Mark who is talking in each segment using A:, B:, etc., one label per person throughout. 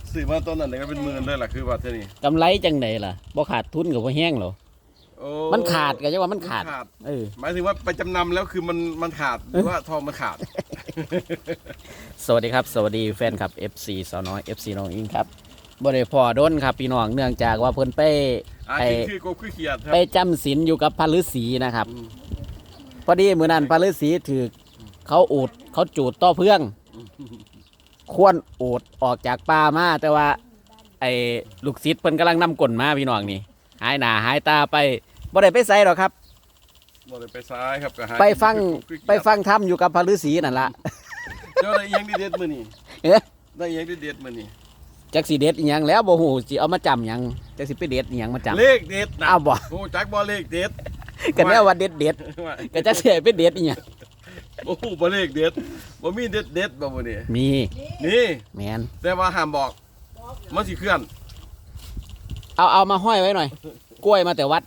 A: ซื้อมาต้นนั้นก็เป็นหมื่นเลยล่ะคือว่าเท่านี้
B: กำไรจังไดล่ะบ่ขาดทุนกับบ่แห้งหรอมันขาดก็จะว่ามันขาด
A: หมายถึงว่าไปจำนำแล้วคือมันขาดหรือว่าทองมันขาด
B: สวัสดีครับสวัสดีแฟนคลับ FC สาวน้อย FC น้องอิงครับบ่ได้พอโดนครับพี่น้องเนื่องจากว่าเพิ่นไปจำศีลอยู่กับพระฤาษีนะครับพอดีมื้อนั้นพระฤาษีถือเขาจูดต่อเพื่องควรอูดออกจากป่ามาแต่ว่าไอ้ลูกศิษย์เพิ่นกำลังนำกลมาพี่น้องนี่หายหน้าหายตาไปบ่ได้ไปไสหรอกครับ
A: บ่ได้ไปซ้ายครับก็หา
B: ไปฟังธรรมอยู่กับพระฤาษีนั่นล่ะ
A: เจ้าได้ยังดีเด็ดมื้อนี้ได้ยังดีเด็ดมื้อนี้
B: จักสิเด็ดอีหยังแล้วบ่ฮู้สิเอามาจำหยังจักสิไปเด็ดอีหยังมาจำ
A: เลขเด็ดนะ
B: อ้าวบ่
A: โอ้จักบ่เลขเด็ด
B: ก็แนวว่าเด็ดก็จักสิไปเด็ดอีหยัง
A: โอ้บ่เลขเด็ดบ่มีเด็ดบ่มื้อนี้
B: มี
A: นี่
B: แม่น
A: แต่ว่าห้ามบอกมันสิเคลื่อน
B: เอามาห้อยไว้หน่อยกล้วยมาแต่วัด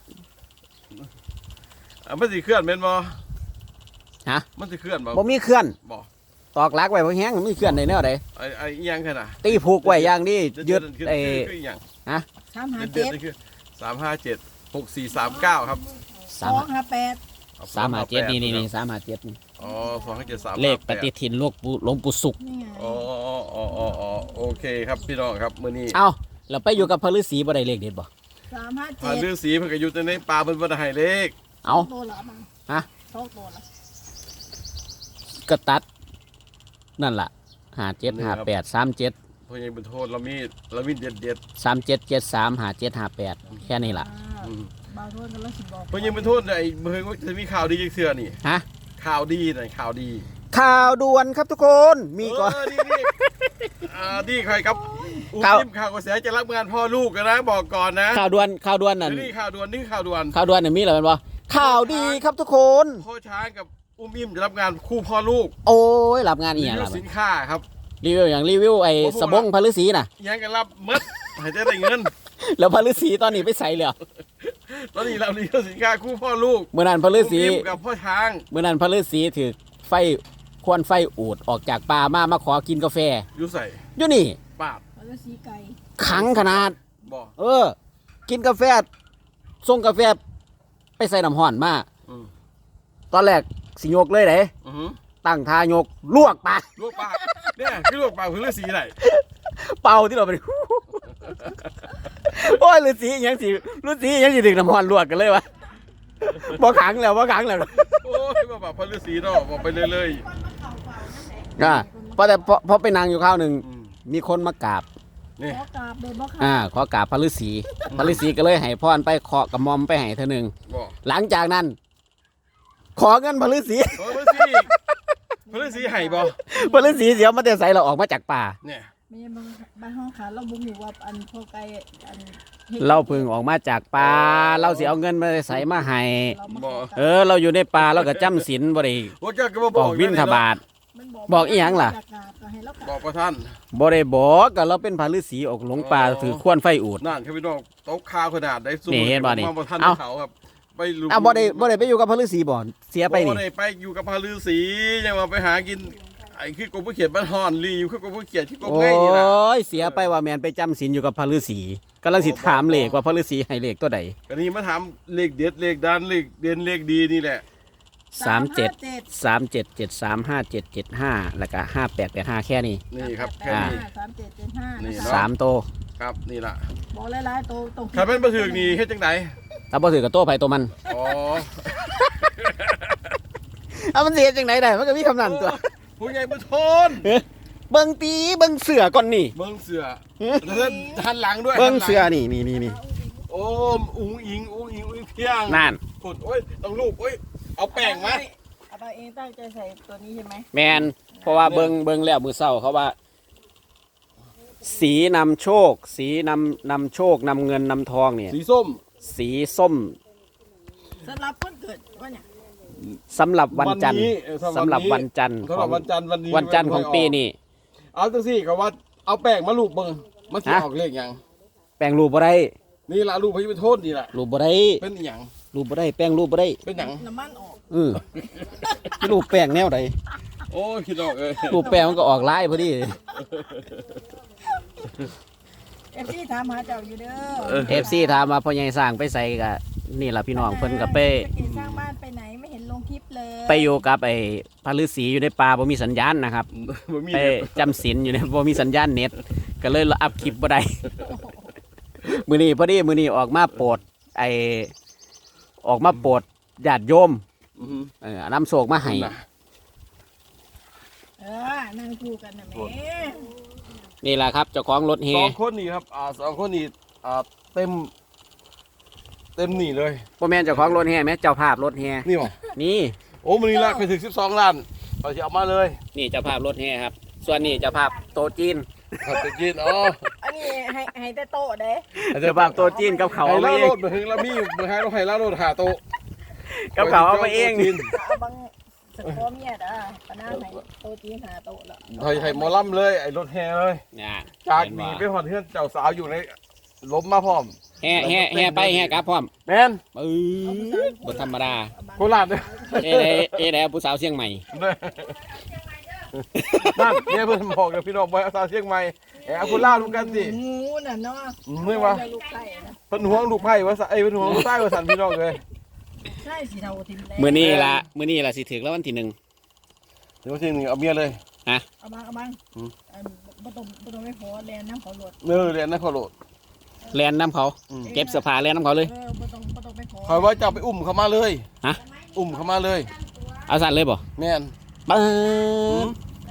A: มันสิเคลื่อนแม่นบ่
B: ฮะ
A: มันสิเคลื่อน
B: บ่มีเคลื่อน
A: บ่
B: ตอกลักไว้บ่แห้งมันมีเคลื่อนได้แนวใด
A: ไอ้อีหยังคั่นน่ะ
B: ตีผูกไว้อย่างนี้ยึดไอ้ฮะ
A: 357 357 6439ครับ
B: 357นี่357นี่
A: อ๋อ257 3
B: เลขปฏิทินหลวงปู่สุข
A: อ๋อโอเคครับพี่น้องครับมื้อนี้
B: เอ้าเราไปอยู่กับพระฤาษีบ่ได้เลขเด็ดบ่
A: 357พระฤาษีเพิ่นก็อยู่ในป่าเพิ่นบ่ได้ให้เลข
B: เอ้าฮะก็ตัดนั่นล่ะ57 58 37
A: เพิ่นยังเป็นโทษเรามีเด็ด
B: 37 73 57 58แค่นี้ล่ะ
A: เพิ่นยังเป็นโทษไอ้เพิ่นว่าจะมีข่าวดีจังเทื่อนี่
B: ฮะ
A: ข่าวดีหน่อยข่าวดี
B: ข่าวด่วนครับทุกคนมีก่อน
A: นี่ใครครับข่าวกระแสจะรับงานพ่อลูกกันนะบอกก่อนนะ
B: ข่าวด่วนนั่น
A: นี่ข่าวด่วน
B: เนี่ยมีอะไรบ้างวะข่าวดีครับทุกคน
A: พ่อช้างกับอิ่มจะรับงานคู่พ่อลูก
B: โอ้ยรับงานอีกอย่าง
A: สินค้าครับ
B: รีวิวไอ้สบงพระฤาษีน่ะ
A: ยังกันรับมัดให้ได้เงิน
B: แล้วพระฤาษีตอนนี้ไปใส่เลย
A: ตอนนี้เรารีวิวสินค้าคู่พ่อลูก
B: เมื่อนั้นพระฤาษี
A: กับพ่อช้าง
B: เมื่อนั้นพระฤาษีถือไฟควันไฟอูดออกจากป่ามาขอกินกาแฟ
A: อยู่ใส่
B: อยู่นี่
A: ปาด
B: ขังขนาดกินกาแฟส่งกาแฟไปใส่น้ำห่อนมาตอนแรกสิโยกเลยไหนตั้งทายกลวกปาก
A: เนี่ยคือลวกปากคือฤาษีไหน
B: เป่าที่เราไปโอ้ยฤาษียังสิถึงน้ำห่อนลวกกันเลยวะบ่ขังแล้วโ
A: อ้ยบอกพระฤาษีเนาะบอกไปเลย
B: พอไปนั่งอยู่ข้าวหนึ่งมีคนมากราบ
C: ขอกราบเลยบ่ค่ะ
B: ขอกราบพระฤาษีก็เลยให้พรไปเคาะกระหม่อมไปให้เธอหนึ่งหลังจากนั้นขอเงินพระฤาษี
A: ให้บ่
B: พระฤาษีเสียวมาแต่ใส่เราออกมาจากป่า
A: เนี่ย
C: ไม่ใช่บ้านห้องขาเราบุกอยู่ว่าอันพอไกลอัน
B: เราพึ่งออกมาจากป่าเราสิเอาเงินมาใส่มาให้เราอยู่ในป่าเราก็จำศีลบ่ได้บอกวินทบาทบอกอีหยังล่ะ
A: บอกประท่าน
B: บ่ได้บอกก็เราเป็นพระฤาษีออกหลงป่าถือขวานไฟอูด
A: นั่นครับพี่น้องโต๊ะข้าวขนาดได้สู้
B: นี่เห็นบ่นี่
A: เขาครับ
B: ไปลุบ่ได้ไปอยู่กับพระฤาษีบ่เสียไปนี่
A: บ่ได้ไปอยู่กับพระฤาษียังมาไปหากินไอ้คือกบผู้เขียนบ้านฮอนรีอยู่คือกบผู้เขียนที่กบง่ายนี่ล่ะ
B: โอ้ยเสียไปว่าแม่นไปจำศีลอยู่กับพระฤาษีกำลังสิถามเลขว่าพระฤาษีให้เลขตัวใด
A: ก็นี่มาถามเลขเด็ดเลขดันเลขเด่นเลขดีนี่แหละ
B: 37 37735775แล้วก็5885แค่นี้
A: นี่ครับแค่นี้
C: 3775นี่
B: 3โต
A: ครับนี่ล่ะ
C: บอกหลายๆโตตรง
A: ถ้าเป็นบ่ถึกนี่เฮ็ดจังได๋
B: ถ้าบ่ถึกก็โตไผตัวมัน
A: อ๋อ
B: เอามันสิเฮ็ดจังได๋ได้มันก็มีคำนั้นตัว
A: ผู้ใหญ่บ่ทน
B: เบิ่งตีเบิ่งเสือก่อนนี่
A: เบิ่งเสือแล้วหันหลังด้วย
B: เบิ่งเสือนี่
A: โอ้อุ้งอิงเพียง
B: นั่น
A: กดโอ้ยต้องลูกโอ้ยเอาแป้งมา
C: เอาไปเองตั้งใจใส่ตัวนี้ใช่ไหม
B: แมนเพราะว่าเบิ่งแล้วมือเศร้าเขาว่าสีนำโชคสีนำโชคนำเงินนำทองเนี่ย
A: สีส้ม
C: สำหรับคนเกิดว่าเนี่ย
B: สำหรับวันจันทร์สำหรับวันจันทร์วันจันทร์ของปีนี้
A: เอาจังซี่ก็ว่าเอาแป้งมาลูบเบิ่งมันสิออกเลขหยัง
B: แป้งรูปบ่ได้
A: นี่ล่ะรูปให้เป็นโทษนี่ล่ะ
B: รูปบ่ได้
A: เป็นหยัง
B: รูปบ่ได้แป้งรูปบ่ได้
A: เป็นหยัง
C: น้ำมันออก
B: รูปแป้งแนวใด
A: โอ้ยคิดออก
B: รูปแป้งมันก็ออกลายพอดี
C: FC ถามหาเจ้าอยู่เด้อ
B: FC ถามว่าพ่อใหญ่สร้างไปใส่กะนี่ล่ะพี่น้องเพิ่นก็ไป
C: สร้างบ้านไปไหนไม่เห็นลงคลิปเลย
B: ไปอยู่กับไอ้พระฤาษีอยู่ในป่าบ่มีสัญญาณนะครับ
A: บ่มี
B: ไปจำศีลอยู่ในบ่มีสัญญาณเน็ตก็เลยอัพคลิปบ่ได้ มื้อนี้พอดีมื้อนี้ออกมาโปรดไอ้ออกมาโปรดญาติโยม
A: อือฮึ
B: นำโศกมาให้
C: นั่งคู่กันนะแม่
B: นี่แหละครับเจ้าของรถเฮ
A: สองคนนี่ครับสองคนนี่เต็มนี่เลย
B: บ่แม่นเจ้าของรถเฮแม่เจ้าภาพรถเฮ
A: นี่บ่
B: นี่
A: โอ้มันนี่ละไปถึง12 ล้านเราจะเอามาเลย
B: นี่เจ้าภาพรถเฮครับ ส่วนนี่เจ้าภาพโตะจีน
A: ครับจะกินอ๋อ
C: อันนี้ให้แต่โต๊ะเด้
B: เจ้าภาพโตะจีนกับเขา
A: ให้
B: เอามา
A: ล่า
B: เอ
A: โรง ดมาถึงแล้วมีมาให้เราให้ล่าโรดหาโตะ
B: กับเขาเอามาเอง
C: เอาบางสกอเมียดปะหน้าให้โต๊ะจีนหาโต๊ะละ
A: ให้หมอลำเลยไอ้รถแห่เลย
B: เนี่ย
A: จากหนีไปหอดเพื่อนเจ้าสาวอยู่ในล้มมาพร้อม
B: แห่ไปแห่กลับพร้อม
A: แมน
B: บ่ธรรมดา
A: โคราชเนี่ย
B: เอ้ได้ผู้สาวเชียงใหม่
A: นั่นเนี่ยเพื่อนบอกเดี๋ยวพี่น้องไปเอาสาวเชียงใหม่แอบคุณล่าลูกกันสิ
C: งูน่ะเนาะ
A: ไม่ว่า
C: ลูกไก่นะ
A: เพิ่นห่วงลูกไผ่ว่าเพิ่นห่วงลูกใต้ว่าสันพี่น้องเลย
C: ใช่สิเท่าทิมแล้ว
B: มื้อนี้ล่ะสิถึงแล้ววันที่หนึ่ง
A: เดี๋ยวทีนึงเอาเมียเลย
C: เอาบางบ่ต้องไม่พอแลนน้ำเขาหลด
A: เรียนนะขอโหลด
B: แลนน้ำเขา เก็บเสื้อผ้าแลนน้ำเขาเลย
C: บ่ต้องไม่พอ
A: คอยว่าจะไปอุ้มเขามาเลย
B: ฮะ
A: อุ้มเขามาเลย
B: เอาสั่นเลยบ่
A: แม่น
B: ปึ๊บ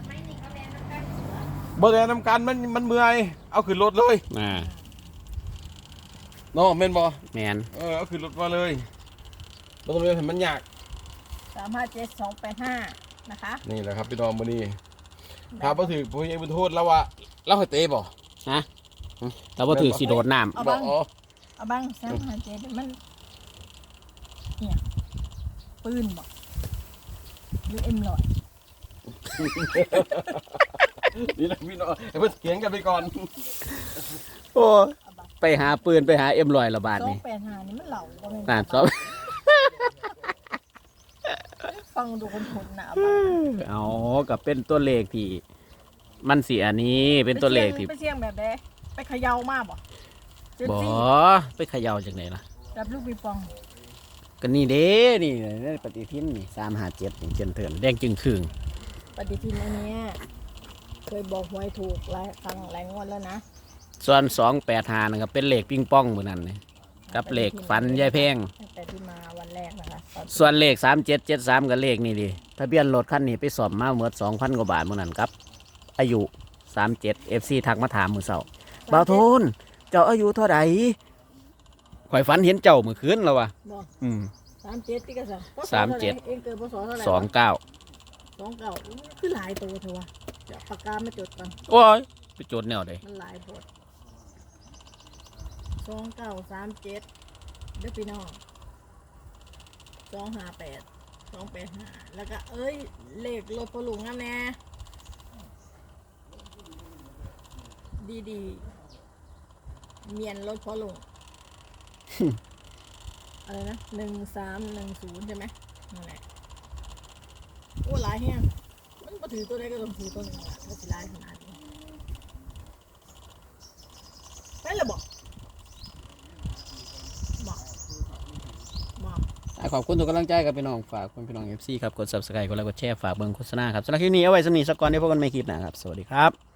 A: บ่เรียนนำกันมันเมื่อยเอาขึ้นรถเลย
B: อ่า
A: เนาะแม่นบ่
B: แมน
A: เอาขึ้นรถมาเลยบ่ต้องเรียนให้มันยาก
C: 357285นะคะ
A: นี่แหละครับพี่น้องมื้อนี้ถ้าบ่ถือผู้ใหญ่บุญโทษแล้วว่าเราให้เตะบ่
B: ฮะแต่ว่าถือสิโดดน้
C: เอา
A: บ่
C: บาง
A: อ๋อ
C: เอาบาง357มันเนี่ยปืนบ่หรือ M100
A: นี่แหละพี่น้องให้เพิ่นเถียงกันไปก่อน
B: ำโอ้ไปหาปืนไปหาM100ละบาทนี่
C: 285นี่มันเหล่าบ่แม่น
B: น่าชอบ
C: ฟังดูคนๆนะ
B: เอากับเป็นตัวเลขที่มันสิอันนี้เป็นตัวเลขที่
C: ไปเสี่ยงแบบใดไปเขย่ามาบ่จุด
B: บ่
C: สี่
B: ไปเขย่าจากไหนล่ะ
C: รับลูกปิงปอง
B: ก็นี่เด้นี่ปฏิทินนี่357นี่เจนเถินแดงจึงครึ่ง
C: ปฏิทินอันเนี้ยเคยบอกหวยถูกหลายครั้งหลายงวดแล้วนะ
B: ส่วน285นะครับเป็นเลขปิงปองมื้อนั้นนี่กับเลขฟันยายแพง
C: ตั้งแต่ที่มาวันแรกนะคะตอน
B: ส่วนเลข3773กับเลขนี่ดิทะเบียนรถคันนี้ไปสอบมาเมื่อ 2,000 กว่าบาทมื้อนั้นครับ อายุ37 FC ทักมาถามมื้อเช้าบ่าวโทนเจ้าอายุเท่าใดข่อยฝันเห็นเจ้ามื้อคืนแล้วว่ะ
C: บอก 37ที่กระสัง
B: 37
C: เองเกิดพศเท่าไหร่
B: 29
C: 29คือหลายตัวเถอะวะเดี๋ยวปากกามาจดก่อน
B: โอ้ยไปโจทย์แนวใด
C: มันหลายบท2937เด้อพี่น้อง258 285แล้วก็เอ้ยเลขรถพอลุงนั่นแน่ดีเมียนรถพอลุง อะไรนะ1310ใช่ไหมนั่นแหละโอ้หลายแฮงมันมาถือตัวใดก็ต้องถือตัวหนึงละมันสิหลายขนาดนี้ไปและบอกบอก
B: ขอบคุณทุกกำลังใจกับพี่น้องฝากคุณพี่น้อง FC ครับกด Subscribe กดไลค์กดแชร์ฝากเบิ่งโฆษณาครับสำหรับคลิปนี้เอาไว้สำหรับนี้สักก่อนได้พบกันใหม่คลิปหน้าครับสวัสดีครับ